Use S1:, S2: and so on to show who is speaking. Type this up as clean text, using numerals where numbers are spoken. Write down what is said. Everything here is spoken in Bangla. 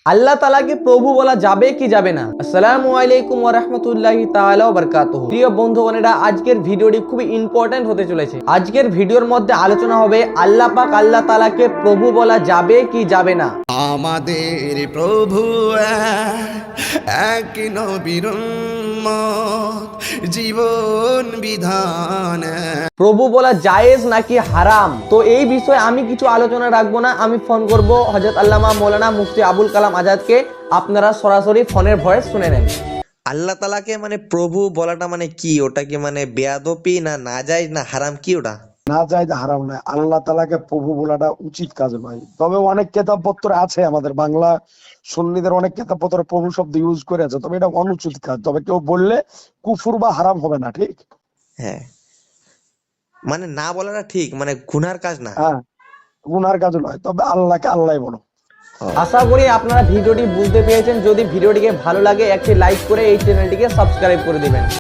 S1: আল্লাহ তাআলাকে প্রভু বলা যাবে কি যাবে না? আসসালামু আলাইকুম ওয়া রাহমাতুল্লাহি তাআলা ওয়া বারাকাতুহু। প্রিয় বন্ধুগণেরা, আজকের ভিডিওটি খুবই ইম্পর্টেন্ট হতে চলেছে। আজকের ভিডিওর মধ্যে আলোচনা হবে আল্লাহ পাক আল্লাহ তাআলাকে প্রভু বলা যাবে কি যাবে না।
S2: আমাদের প্রভু এক নবীর উম্মত, জীবন বিধান
S1: প্রভু বলা জায়েজ নাকি হারাম, তো এই বিষয়ে আমি কিছু আলোচনা রাখবো না। আমি ফোন করব হযরত আল্লামা মাওলানা মুফতি আবুল কালাম আজাদকে। আপনারা সরাসরি ফোনের ভয়েস শুনে নেন।
S3: আল্লাহ তালাকে প্রভু বলাটা কি? ওটা কি বেয়াদবি না নাজায়েজ না হারাম, কি ওটা?
S4: না যায় হারাম নয়, আল্লাহ তাআলাকে প্রভু বলাটা উচিত কাজ নয়। তবে অনেক কিতাবপত্র আছে, আমাদের বাংলা সুন্নিদের অনেক কিতাবপত্রে প্রভু শব্দ ইউজ করে আছে, তবে এটা অনুচিত কাজ। তবে কেউ বললে কুফর বা হারাম হবে না, ঠিক?
S3: হ্যাঁ, না বলাটা ঠিক, গুনার কাজ না।
S4: হ্যাঁ, গুনার কাজ নয়, তবে আল্লাহকে আল্লাহ বলো।
S1: আশা করি আপনারা ভিডিওটি বুঝতে পেরেছেন। যদি ভিডিওটিকে ভালো লাগে একটি লাইক করে এই চ্যানেলটিকে সাবস্ক্রাইব করে দিবেন।